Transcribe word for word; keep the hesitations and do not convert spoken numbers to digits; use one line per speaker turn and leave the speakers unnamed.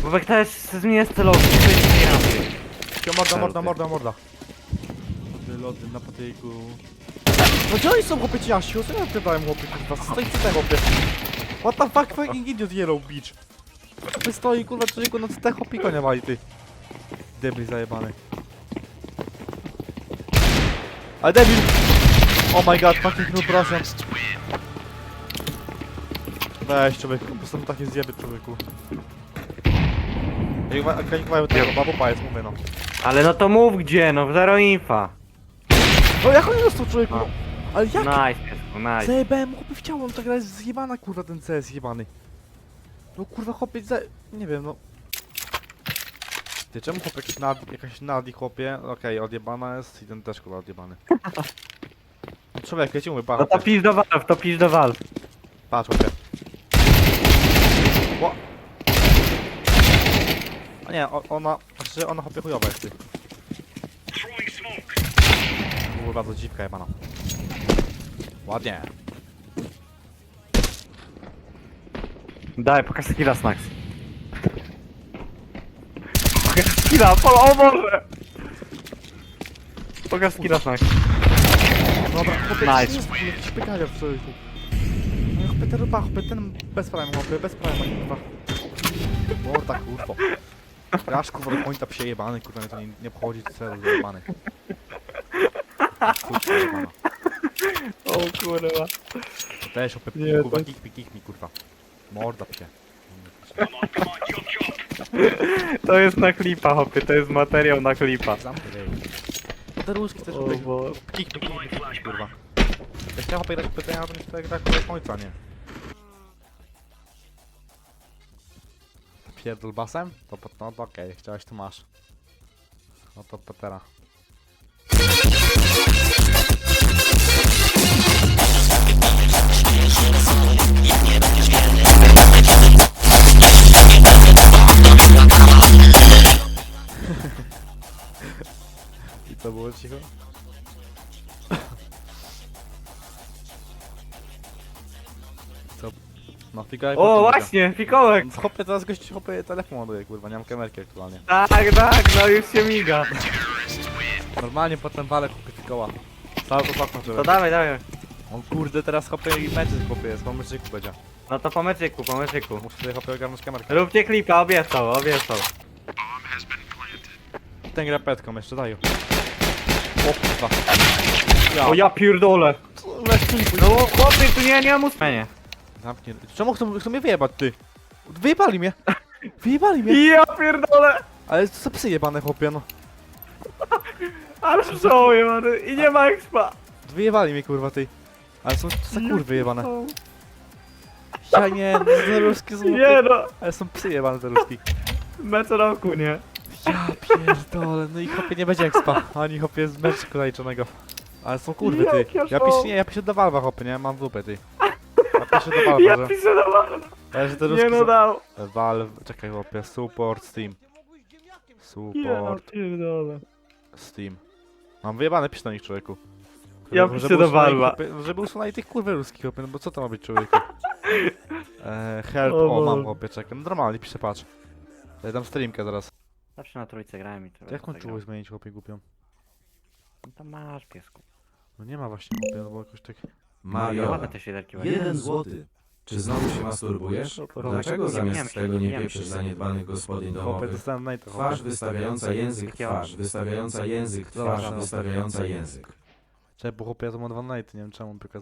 Bobek też zmienia celownik, to jest nie rampy.
Cio, morda, morda, morda, morda. Lody na patyku. No gdzie oni są, chłopie, ci Jasiu? Co ja pytałem, chłopie, kurwa? Stoi przy tym, chłopie. What the fuck, fucking idiot, yellow bitch. Chłopie stoi, kurwa, człowieku, no co te chłopie konia wali, ty. Debil zajebany. Ale debil! Oh my god, fucking noob Russian. Weź, człowieku, po prostu takie zjeby, człowieku. Jak kanikowają tego, babu pajac, mówię, no.
Ale no to mów gdzie, no zero infa.
No jak on dostał, człowieku? No. Ale jak?
Nice, piesku, nice.
Zajebałem, chłopie, w ciało, ta gra jest zjebana, kurwa, ten C S zjebany. No kurwa, chłopie, za... nie wiem, no. Ty, czemu chłopie, jakiś nad... jakaś nadi, chłopie? Okej, okay, odjebana jest i ten też, kurwa, odjebany. No człowiek, ja ci mówię,
No
patrz,
to pisz do Valve, to pisz do Valve.
patrz, chłopie. Ło. A nie, o, ona, znaczy ona chłopie chujowa jest, ty. Kurwa, to dziwka jebana. Ładnie.
Daj, pokaż skilla, Snax. Pokaż skilla, pol, o Boże! Pokaż skilla, Snax.
Dobra, chłopie,
Nice.
nice. Jest jakieś pytania w człowieku. No chłopie, ten rupa, chłopie, ten bez prime, chłopie, bez prime, kurwa. Morda, kurwa. Grasz, kurwa, do pointa przejebany, kurwa, mnie to nie, nie obchodzi, celu zajebany. Kurwa, jebana.
O kurwa.
Też, chłopie,
Nie,
kurwa,
to-
kick mi, kick mi, kurwa. Morda psie.
To jest na klipa, hopie, to jest materiał na klipa.
Zamknij. Te różki też,
O
chłopie,
Boże.
kick mi, kick mi, kick mi, kurwa. Jak chciałem, chłopie, grać pytania, to nie chcę grać do końca, nie? Pierdol basem? To, to, no to okej, okay. Chciałeś, to masz. No to Petera. I co było cicho? Co? No figaj.
O właśnie, fikołek!
Chopie, teraz gość chopie telefon ładuje, kurwa, nie mam kamerki aktualnie.
Tak, tak, no już się miga.
Normalnie potem walę chopie fikoła. Cały to faktor,
To dawaj, dawaj.
on kurde teraz chopie i meczyk chopie jest, bo meczyku będzie.
No to po meczyku, po meczyku.
Muszę sobie chopie ogarnąć kamerkę.
Róbcie klipa, obiecał, obiecał.
Ten gra petką jeszcze, daj. O kurwa. Ja.
O ja pierdolę.
Weź klipuj.
No chłopie, tu nie, nie mam ustawienia.
Zamknij. Czemu chcą, chcą mnie wyjebać, ty? Wyjebali mnie. Wyjebali mnie.
Ja pierdolę.
Ale co za psy jebane, chłopie, no.
Ale żałuję, many. I nie ma expa.
Wyjebali mnie, kurwa, ty. Ale są co za kurwy jebane. Ja nie, no, te ruski są...
Nie no.
Ale są psy jebane, te ruski.
Mecz roku, nie?
Ja pierdolę, no i chłopie nie będzie expa. Ani chłopie z meczku zaliczonego. Ale są kurwy, ty.
Jak ja
Ja
szło.
piszę, nie, ja piszę do Valve'a, chłopie, nie? Mam dupę, ty. Ja piszę do Valve'a,
Ja
że...
piszę do Valve.
Ale że te ruski
Nie no
są...
dał.
Valve, czekaj, chłopie, support Steam.
Nie no
Support
pierdolę.
Steam. Mam wyjebane, pisz na nich, człowieku.
Ja
Żeby
piszę do
usunęli,
Valve'a.
chłopie, żeby usunęli tych kurwy ruskich, chłopie, no bo co to ma być, człowieku? Eee, help,
O
o, mam,
Boże.
chłopie, czekaj, no normalnie piszę, patrz. Ja dam streamkę zaraz.
Zawsze na trójce grałem i to.
Jak mam czułość zmienić, chłopie, głupią?
No to masz, piesku.
No nie ma właśnie, chłopie, no bo jakoś tak...
Mario,
Ładne te świderki właśnie.
jeden złoty. Czy znowu się masturbujesz? Dlaczego zamiast tego nie pieprzysz zaniedbanych gospodyń
Chłopie,
domowych?
dostałem najto,
Twarz
chłopie.
wystawiająca język, twarz wystawiająca język, twarz
Dobra.
wystawiająca język.
Czekaj, bo chłopie, ja to mam dwa nighty, nie wiem czemu, tylko